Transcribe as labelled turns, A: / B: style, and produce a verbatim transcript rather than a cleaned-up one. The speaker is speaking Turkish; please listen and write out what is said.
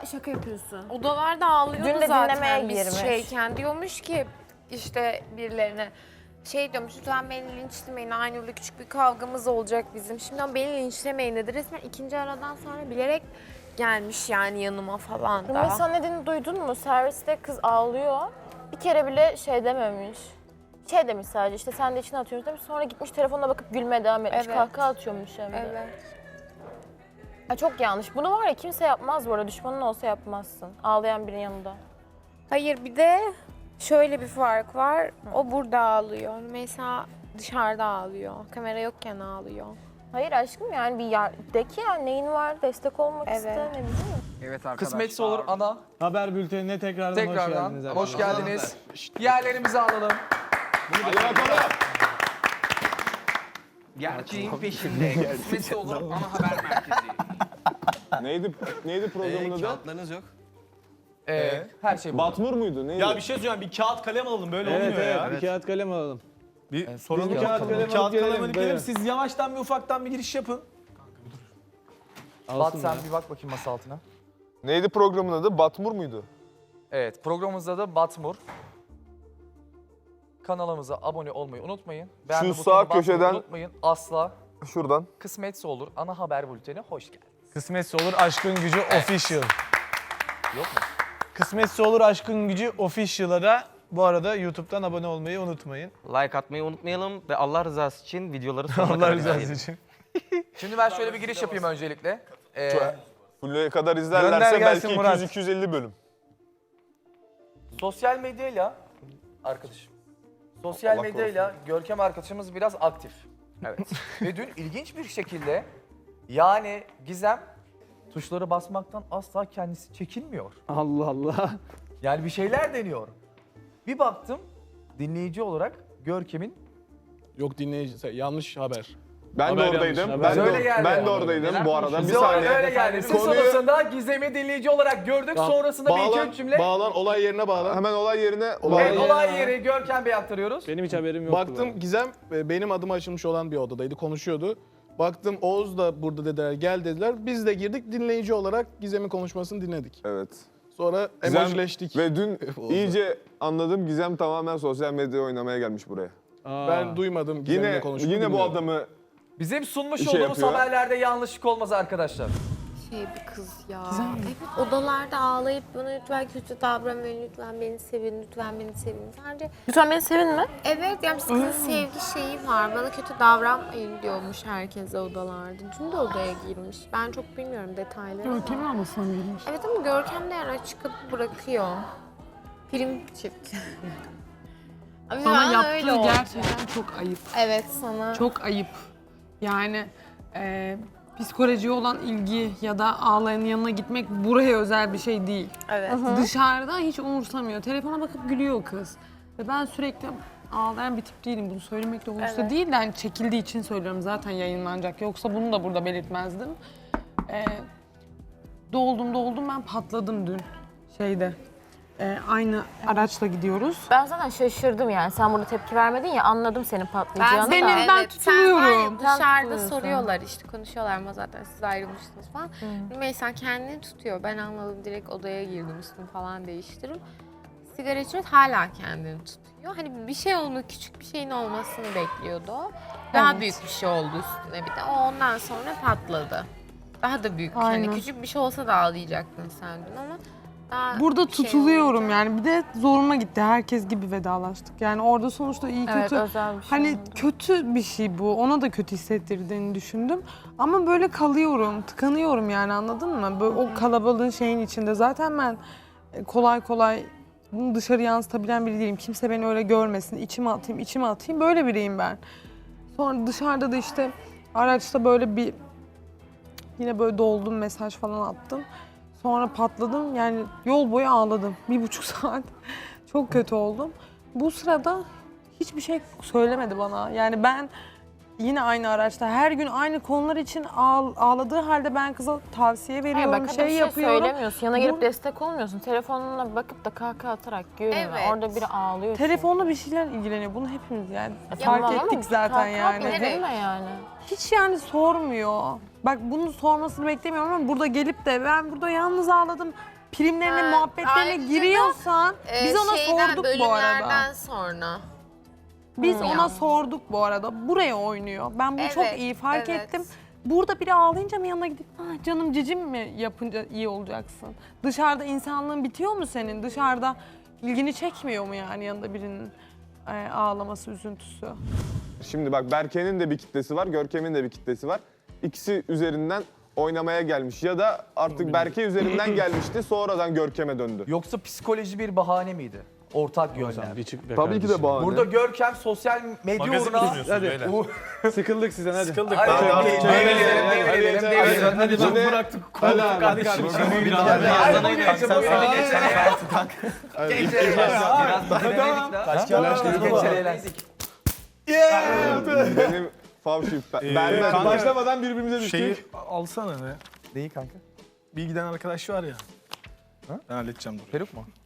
A: şaka yapıyorsun.
B: Odalarda ağlıyordu
C: Dün de
B: zaten
C: dinlemeye
B: biz
C: girmiş.
B: şeyken. Diyormuş ki işte birilerine şey diyormuş, lütfen beni linçlemeyin. Aynı yılda küçük bir kavgamız olacak bizim. Şimdiden beni linçlemeyin dedi. Resmen ikinci aradan sonra bilerek gelmiş yani yanıma falan da.
C: Rümeysa ne dediğini duydun mu? Serviste kız ağlıyor. Bir kere bile şey dememiş. Şey demiş sadece işte sen de içine atıyoruz demiş. Sonra gitmiş telefonuna bakıp gülmeye devam etmiş.
B: Evet.
C: Kahkaha atıyormuş hem de.
B: Evet.
C: Ha, çok yanlış. Bunu var ya kimse yapmaz bu arada. Düşmanın olsa yapmazsın. Ağlayan birinin yanında.
B: Hayır, bir de şöyle bir fark var. O burada ağlıyor. Mesela dışarıda ağlıyor. Kamera yokken ağlıyor.
C: Hayır aşkım yani bir yer, de ki yani neyin var destek olmak
B: Evet.
C: iste ne bileyim.
D: Evet arkadaşlar.
E: Kısmetse olur ana.
F: Haber bültenine tekrardan, hoş
E: Tekrardan
F: geldiniz.
E: hoş
F: arkadaşlar.
E: geldiniz. Yerlerimizi alalım.
D: Hadi bakalım. Gerçeğin peşinde. Kısmetse olur ana haber merkezi.
G: Neydi neydi programın adı?
H: Kağıtlarınız yok.
E: Ee, her şey bu.
G: Batmur muydu? Neydi?
F: Ya bir şey söyleyeceğim, bir kağıt kalem alalım, böyle
G: evet,
F: olmuyor
G: evet,
F: ya.
G: bir kağıt kalem alalım.
F: Bir
E: Ee,
F: soralım,
E: biz
F: bir
E: de
F: kağıt
E: bakalım.
F: kalem,
G: Bir
F: kağıt
G: kağıt
F: kalem
G: kalem
F: alıp
G: alalım.
F: gelelim. Siz yavaştan bir ufaktan bir giriş yapın.
E: Bat sen bir bak bakayım masa altına.
G: Neydi programın adı? Batmur muydu?
E: Evet, programımızda da Batmur. Kanalımıza abone olmayı unutmayın. Beğenme
G: Şu
E: butonuna
G: sağ
E: basmayı
G: köşeden-
E: unutmayın. Asla.
G: Şuradan.
E: Kısmetse olur ana haber bülteni hoş geldiniz.
F: Kısmetse olur Aşkın Gücü Official.
E: Yok mu?
F: Kısmetse olur Aşkın Gücü Official'a da bu arada YouTube'dan abone olmayı unutmayın.
H: Like atmayı unutmayalım ve Allah rızası için videoları sonuna
F: Allah
H: kadar
F: rızası
H: izleyin.
F: için.
E: Şimdi ben şöyle bir giriş yapayım öncelikle. Ee,
G: Full'e kadar
F: Gönder
G: izlerlerse
F: gelsin
G: belki
F: Murat.
G: iki yüz iki yüz elli bölüm.
E: sosyal medyayla arkadaşım. Sosyal
G: Allah
E: medyayla Görkem arkadaşımız biraz aktif. Evet. Ve dün ilginç bir şekilde yani Gizem tuşları basmaktan asla kendisi çekinmiyor.
F: Allah Allah.
E: Yani bir şeyler deniyor. Bir baktım dinleyici olarak Görkem'in
F: Yok dinleyici, yanlış haber.
G: Ben
F: Haber
G: de oradaydım.
F: yanlış,
G: Ben
F: haber.
E: Öyle
G: de,
E: geldi.
G: ben de oradaydım bu arada. Bir
E: bize öyle
G: saniye.
E: geldi. Siz
G: Konuyu-
E: sonrasında Gizem'i dinleyici olarak gördük. Sonrasında bir iki
G: Bağlan,
E: üç cümle.
G: bağlan, olay yerine bağlan. Hemen olay yerine.
E: Evet,
G: Olay
E: olay yeri Görkem Bey aktarıyoruz.
F: Benim hiç haberim yoktu.
I: Baktım Gizem e, benim adıma açılmış olan bir odadaydı, konuşuyordu. Baktım Oğuz da burada dediler, gel dediler. Biz de girdik, dinleyici olarak Gizem'in konuşmasını dinledik.
G: Evet.
I: Sonra
G: Gizem-
I: emojileştik.
G: Ve dün iyice anladım, Gizem tamamen sosyal medyaya oynamaya gelmiş buraya.
I: Ben duymadım Gizem'le
G: Yine
I: konuştuğunu.
G: yine bu
I: bilmiyorum.
G: adamı
E: Bizim sunmuş
G: Bir şey
E: olduğumuz
G: yapıyor.
E: haberlerde yanlışlık olmaz arkadaşlar.
B: Şey bir kız ya. Evet, odalarda ağlayıp bana lütfen kötü davranmayın, lütfen beni sevin, lütfen beni sevin. Sadece
C: Lütfen beni sevin mi?
B: evet yani bir kızın sevgi şeyi var. Bana kötü davranmayın diyormuş herkese odalarda. Dün de odaya girmiş. Ben çok bilmiyorum detayları. Görkem
A: ablasına mı girmiş?
B: Evet ama Görkem de yani açık kapı bırakıyor. Prim çift. Ama
A: Sana
B: ben
A: yaptığı
B: öyle oldum.
A: gerçekten çok ayıp.
B: Evet sana.
A: Çok ayıp. Yani e, psikolojiye olan ilgi ya da ağlayanın yanına gitmek buraya özel bir şey değil.
B: Evet.
A: Dışarıda hiç umursamıyor. Telefona bakıp gülüyor kız. Ve ben sürekli ağlayan bir tip değilim. Bunu söylemek de hoşta
B: Evet.
A: değil de hani çekildiği için söylüyorum, zaten yayınlanacak. Yoksa bunu da burada belirtmezdim. E, doldum doldum ben patladım dün şeyde. E, aynı araçla gidiyoruz.
C: Ben zaten şaşırdım yani. Sen burada tepki vermedin ya, anladım senin patlayacağını
A: Benim-
C: da.
A: ben
B: sen var ya
A: tutuluyorum.
C: Sen
B: dışarıda
C: tutuluyorsun.
B: soruyorlar işte konuşuyorlar ama zaten siz ayrılmıştınız falan. Rümeysa kendini tutuyor. Ben anladım, direkt odaya girdim, üstümü falan değiştirip. Sigara içiyor, hala kendini tutuyor. Hani bir şey olma, küçük bir şeyin olmasını bekliyordu o. Daha
C: Evet.
B: büyük bir şey oldu üstüne bir de. O ondan sonra patladı. Daha da büyük.
A: Aynen.
B: Hani küçük bir şey olsa da ağlayacaktın sen dün ama daha
A: Burada
B: bir şey
A: tutuluyorum
B: olunca-
A: yani. Bir de zoruma gitti. Herkes gibi vedalaştık. Yani orada sonuçta iyi
C: Evet,
A: kötü.
C: özel bir şey.
A: Hani
C: oldu.
A: kötü bir şey bu. Ona da kötü hissettirdiğini düşündüm. Ama böyle kalıyorum, tıkanıyorum yani, anladın mı? Böyle o kalabalığın şeyin içinde. Zaten ben e, kolay kolay bunu dışarı yansıtabilen biri değilim. Kimse beni öyle görmesin. İçime atayım, içime atayım. Böyle biriyim ben. Sonra dışarıda da işte araçta böyle bir yine böyle doldum, mesaj falan attım. Sonra patladım, yani yol boyu ağladım. Bir buçuk saat. Çok kötü oldum. Bu sırada hiçbir şey söylemedi bana. Yani ben yine aynı araçta her gün aynı konular için ağ- ağladığı halde ben kıza tavsiye
C: Hayır,
A: veriyorum,
C: bak, hadi
A: şey,
C: bir şey
A: yapıyorum.
C: söylemiyorsun. Yana gelip
A: Bu-
C: destek olmuyorsun. Telefonuna bakıp da kahkaha atarak gülme.
B: Evet.
C: Orada biri ağlıyor.
A: Telefonla bir şeyler ilgileniyor. Bunu hepimiz yani fark
C: Tamam ama
A: ettik zaten
C: kahkaha
A: yani.
C: atma, gülme yani.
A: Hiç yani sormuyor. Bak bunu sormasını beklemiyorum ama burada gelip de ben burada yalnız ağladım. primlerine,
B: Ha,
A: muhabbetlerine
B: ayrıca da,
A: giriyorsan
B: Ee,
A: biz ona
B: şeyden,
A: sorduk bu arada.
B: bölümlerden sonra.
A: Biz
B: Hmm.
A: ona
B: Ya.
A: sorduk bu arada. Buraya oynuyor. Ben bunu çok
B: Evet,
A: iyi fark
B: evet.
A: ettim. Burada biri ağlayınca mı yanına gidip ah canım cicim mi yapınca iyi olacaksın? Dışarıda insanlığın bitiyor mu senin? Dışarıda ilgini çekmiyor mu yani yanında birinin e, ağlaması, üzüntüsü?
G: Şimdi bak Berke'nin de bir kitlesi var, Görkem'in de bir kitlesi var. İkisi üzerinden oynamaya gelmiş ya da artık Berke üzerinden gelmişti sonradan Görkem'e döndü.
E: Yoksa psikoloji bir bahane miydi? Ortak yönler.
F: Bir çık be
G: Tabii ki de
F: kardeşim.
G: bahane.
E: Burada Görkem sosyal medya
F: Magazin
E: uğruna...
F: sunuyorsun beyler.
E: U-
F: Sıkıldık sizden hadi. Sıkıldık.
E: Hadi,
F: Hadi,
E: hadi,
F: hadi,
E: devir edelim,
F: hadi,
E: devir
F: hadi,
E: edelim,
F: hadi,
E: devir edelim.
F: hadi,
G: Hadi
F: hadi,
G: bıraktık.
F: Hadi abi,
H: kardeşim.
F: hadi.
H: Biraz
E: Hadi,
H: daha
E: hadi,
H: yazdan
E: bu
H: oynayalım.
E: gece,
H: Sen
E: bu
H: beni
E: gece.
H: geçene eğlensin.
E: Gençler eğlensin.
H: Biraz dinledik daha.
F: Kaç
E: Gençler eğlensin.
G: Benim favşi.
F: Ee,
G: Berber
F: kanka,
G: başlamadan birbirimize düştük.
F: Şeyi alsana be.
E: Neyi kanka?
F: Bir giden arkadaş var ya. Ben halledeceğim dur.
E: Peruk mu?